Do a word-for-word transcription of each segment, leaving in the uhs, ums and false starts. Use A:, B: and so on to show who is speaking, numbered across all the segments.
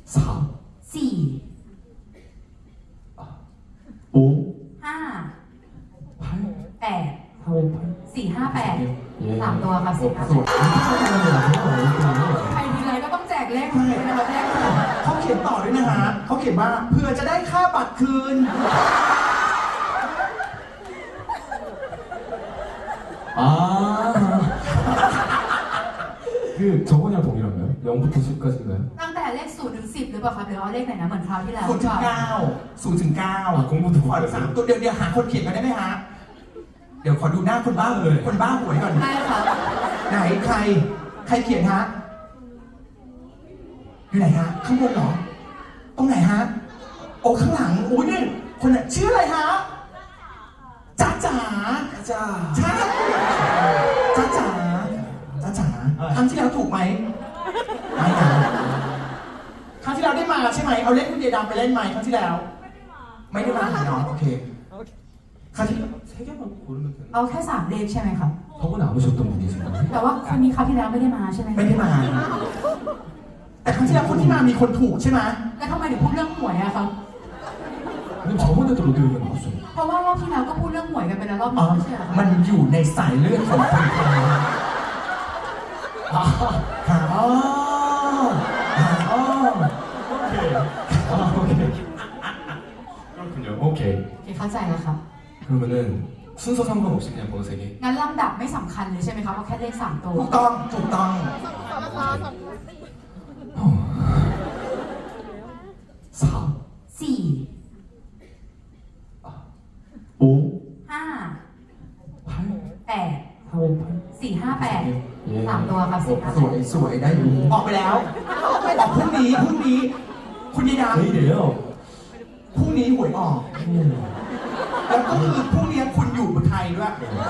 A: 사,
B: สี่
A: 오,
B: ห้า
A: 팔,
B: แปด
A: 사, 오, 팔.
B: สี่ห้าแปด
A: 예.
B: สามตัวครับ
A: 어,
B: สี่ห้า
A: 그래서
B: แปด
A: 이렇게 생각하면
B: ใครทีไรก็ต้องแจกเลขคนนี้นะครับเลข
C: เขาเขียนต่อด้วยนะฮะเขาเขียนว่าเพื่อจะได้ค่าบัตรคืน
A: 아, 그 저번이랑 동일한가요? 영부터 십까지인가요?
B: ตั้งแต่เลขศูนย์ถึงสิบหรือเปล่าครับหรือว่าเลขไหนนะเหมือนคราวที่แล้ว
C: ศูนย์ถึงเก้าศูนย์ถึงเก้า
A: อ่ะคงพูดถูก
C: ขอสามตัวเดี๋ยวเดี๋ยวหาคนเขียนกันได้ไหมฮะ เดี๋ยวขอดูหน้าคนบ้าเลยคนบ้าหวยก่อน
B: ใช่ครับ
C: ไหนใคร ใครเขียนฮะ อยู่ไหนฮะ ข้างบนเหรอ ตรงไหนฮะ โอ้ข้างหลังอุ้ยนี่คนน่ะชื่ออะไรฮะจ้าจ๋า
A: 자,
C: ใช่จ้าจ๋าจ้าจ๋าครั้งที่แล้วถูกไหมไม่นะครั้งที่แล้วได้มาใช่ไหมเอาเล่นคุณเดียดำไปเล่นไหมครั้งที่แล้ว ไม่ได้มาเนาะโอเคครั้งที่
A: 세 개만 고르면 되는.
B: เอาแค่สามเลขใช่ไหมครับ
A: 저번에 안 오셨던 분이신가요?
B: แต่ว่าคนนี้คราวที่แล้วไม่ได้มาใช่ไหม
C: ไม่ได้มา แต่ครั้งที่แล้วคนที่มามีคนถูกใช่ไหม
B: แล้วทำไมถึงพูดเรื่องหวยอะครับ
A: 근데 저번에도 로또 얘기가 나왔어요.
B: เพราะว่ารอบที่แล้วก็พูดเรื่องหวยกันไปแล้วรอบ
C: อ๋อ
B: นี้ไม่ใช่เหรอ
C: มันอยู่ในสายเลือดของคนไทยค่ะอ๋ออ๋อ
A: 오케이. 아, 오케이. 그렇군요. 오케이.
B: โอเคเข้าใจแล้วครับ
A: 그러면은 순서 상관없이 그냥 번호 세 개.
B: งั้นลำดับไม่สำคัญเลยใช่ไหมครับเอาแค่เลขสามตัว
C: ถูกต้องถูกต้อง
A: 사,
B: สี่
A: 오,
B: ห้า
A: 팔,
B: แปด
A: 사, 오, 팔.
B: สี่ห้าแปด
A: 예.
B: สามตัวครับสี่ห้า
C: สวยสวยได้อยู่ออกไปแล้วออกพรุ่งนี้พรุ่งนี้ คุณยายดา
A: 내일이에요.
C: พรุ่งนี้หวยออก
A: 음.
C: แล้วก็คือพรุ่งนี้คุณอยู่บนไทยด้วย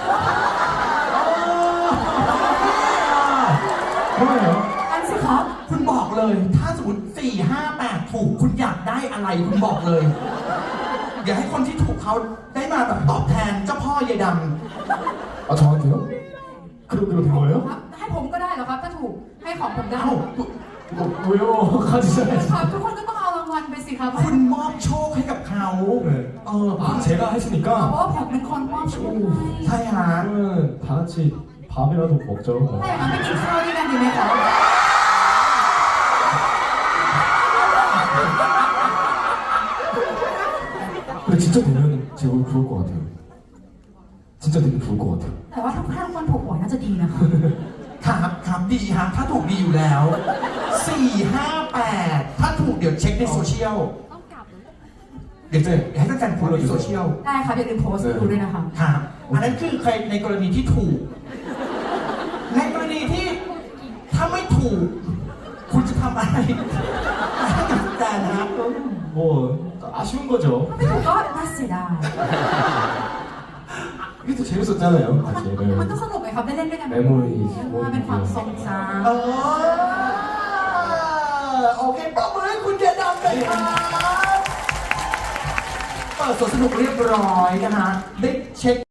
A: 좋아요.
B: อันสิครับ
C: คุณบอกเลย ถ้าสมมติสี่ห้าแปดถูกคุณอยากได้อะไรคุณบอกเลยอย่าให้คนที่ถูกเขาได้มาแบบตอบแทนเจ้าพ่อยายด
A: 아, 저한테요? 그럼 그럼 된 거예요?
B: ครับให้ผมก็ได้เหรอครับถ้าถูกให้ของผม
C: ำ
B: ได้
C: เอ้า
A: 뭐, 왜요? 가지셔야지.
B: ครับทุกคนก็ต้องเอารางวัลไปสิครับ
C: คุณมอบโชคให้กับเขา
A: 네.
C: เออ
A: 아, 제가
B: เพราะ
A: 했으니까
B: ว่าผมเป็นคนมอบโชคให้
C: ใช่ฮะ
A: 그러면 다 같이 밥이라도 먹죠.
B: ถ้าอย่างนั้นไม่กินข้าวด้วยกันดีไหมครับ
A: 근데 진짜 되면 제가 좋을 것 같아요. 진짜 되면 좋을 것 같아요.
B: แต่ว่าถ้าถ้าทุกคนถูกหวยน่าจะดีนะครับ
C: ครับครับดีฮะถ้าถูกดีอยู่แล้วสี่ห้าแปดถ้าถูกเดี๋ยวเช็คในโซเชียลเดี๋ยวจะให้แฟนๆโพสต์ในโซเชียล
B: ได้ครับอย่าลืมโพสต์ดูด้วยนะครับ
C: ครับอันนั้นคือใครในกรณีที่ถูก ในกรณีที่ถ้าไม่ถูก คุณจะทำอะไรให้กับแฟนนะครับ
A: 뭐 아쉬운 거죠.
B: ไม่ถูกก็น่าเสียดาย
A: 이게 또 재밌었잖아요.
B: มัน
A: 같이.
B: มันก็สนุกไหมครับได้เล่นด้วยกัน
A: เมมโมรี
B: มันเป็นความทรงจ
C: เออโอเคปรบมือให้คุณเดียดำเลยครับเปิดสวนสนุกเรียบร้อยนะฮะได้เช็ค